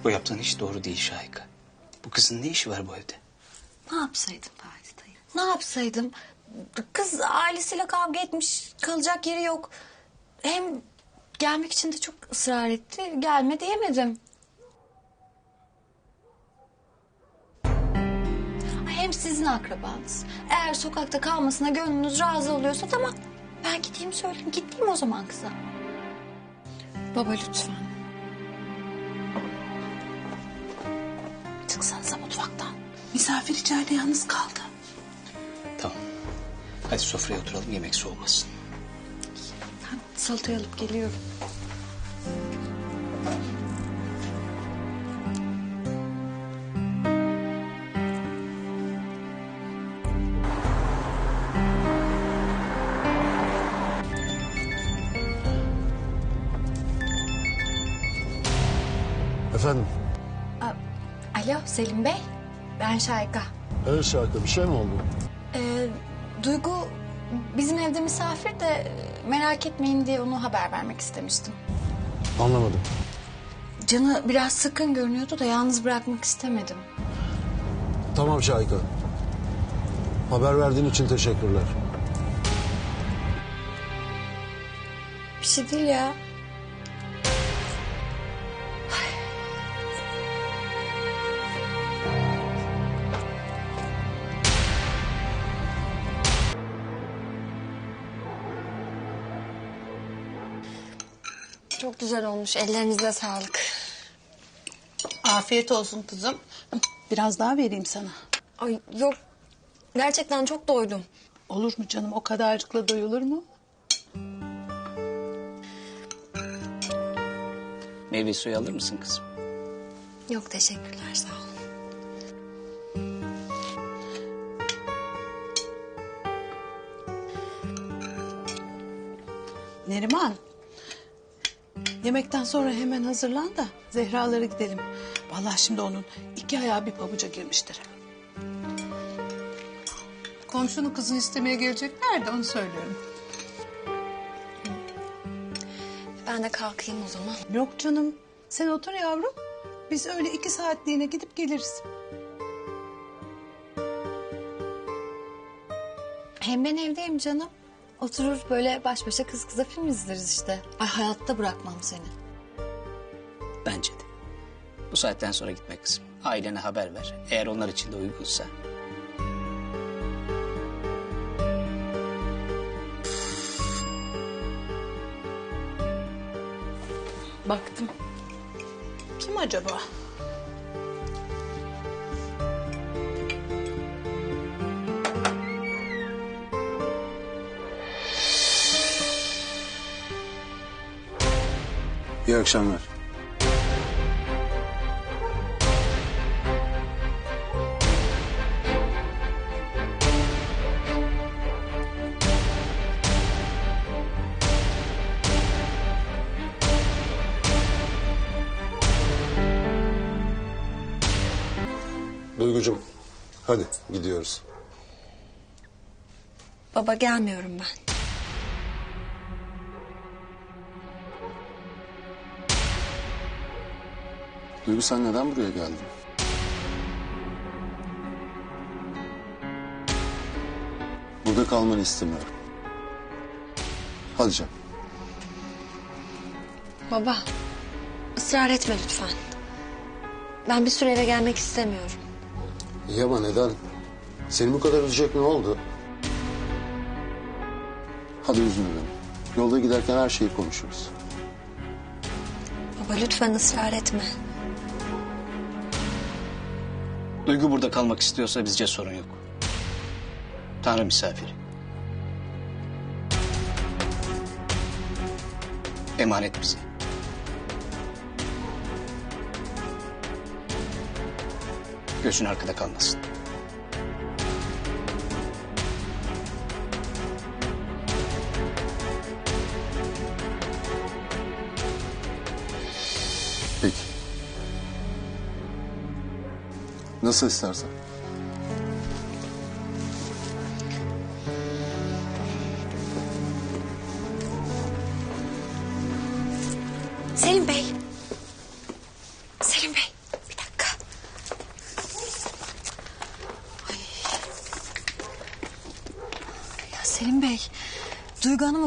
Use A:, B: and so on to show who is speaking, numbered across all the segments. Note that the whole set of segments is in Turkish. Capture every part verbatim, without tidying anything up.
A: Bu yaptığın hiç doğru değil Şahika. Bu kızın ne işi var bu evde?
B: Ne yapsaydım Bari dayı? Ne yapsaydım? Kız ailesiyle kavga etmiş, kalacak yeri yok. Hem gelmek için de çok ısrar etti. Gelme diyemedim. Hem sizin akrabanız. Eğer sokakta kalmasına gönlünüz razı oluyorsa tamam. Ben gideyim söyleyeyim. Gideyim o zaman kıza. Baba lütfen. Çıksanıza mutfaktan.
C: Misafir içeride yalnız kaldı.
A: Tamam. Hadi sofraya oturalım, yemek soğumasın.
B: Ben salatayı alıp geliyorum.
D: Efendim?
B: Alo Selim Bey. Ben Şahika.
D: Evet Şahika, bir şey mi oldu?
B: Ee, Duygu bizim evde misafir de merak etmeyin diye onu haber vermek istemiştim.
D: Anlamadım.
B: Canı biraz sıkın görünüyordu da yalnız bırakmak istemedim.
D: Tamam Şahika. Haber verdiğin için teşekkürler.
B: Bir şey değil ya. Çok güzel olmuş. Ellerinize sağlık.
C: Afiyet olsun kızım. Biraz daha vereyim sana.
B: Ay yok. Gerçekten çok doydum.
C: Olur mu canım, o kadarcıkla doyulur mu?
A: Meyve suyu alır mısın kızım?
B: Yok teşekkürler sağ olun.
C: Neriman. Yemekten sonra hemen hazırlan da Zehra'lara gidelim. Vallahi şimdi onun iki ayağı bir pabuca girmiştir. Komşunun kızını istemeye gelecekler de onu söylüyorum.
B: Ben de kalkayım o zaman.
C: Yok canım, sen otur yavrum. Biz öyle iki saatliğine gidip geliriz.
B: Hem ben evdeyim canım. Oturur böyle baş başa kız kıza film izleriz işte. Ay hayatta bırakmam seni.
A: Bence de. Bu saatten sonra gitme kızım. Ailene haber ver. Eğer onlar için de uygunsa.
C: Baktım. Kim acaba?
D: İyi akşamlar. Duygucuğum, hadi gidiyoruz.
B: Baba gelmiyorum ben.
D: Duygu, sen neden buraya geldin? Burada kalmanı istemiyorum. Hadi canım.
B: Baba ısrar etme lütfen. Ben bir süre eve gelmek istemiyorum.
D: İyi ama neden? Seni bu kadar üzecek ne oldu? Hadi üzülme beni. Yolda giderken her şeyi konuşuruz.
B: Baba lütfen ısrar etme.
A: Duygu burada kalmak istiyorsa bizce sorun yok. Tanrı misafiri. Emanet bize. Gözün arkada kalmasın.
D: Peki. Nasıl istersen.
B: Selim Bey. Selim Bey.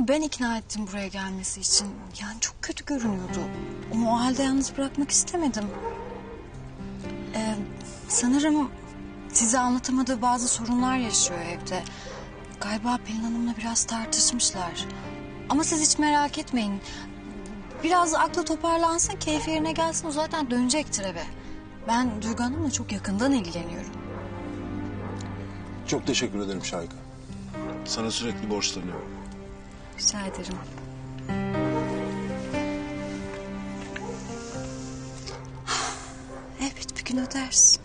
B: adamı ben ikna ettim buraya gelmesi için. Yani çok kötü görünüyordu. Onu o halde yalnız bırakmak istemedim. Ee, sanırım size anlatamadığı bazı sorunlar yaşıyor evde. Galiba Pelin Hanım'la biraz tartışmışlar. Ama siz hiç merak etmeyin. Biraz aklı toparlansın, keyfi yerine gelsin. O zaten dönecektir eve. Ben Duygu Hanım'la çok yakından ilgileniyorum.
E: Çok teşekkür ederim Şahika. Sana sürekli borçlanıyorum.
B: Rica ederim. Elbet bir gün ödersin.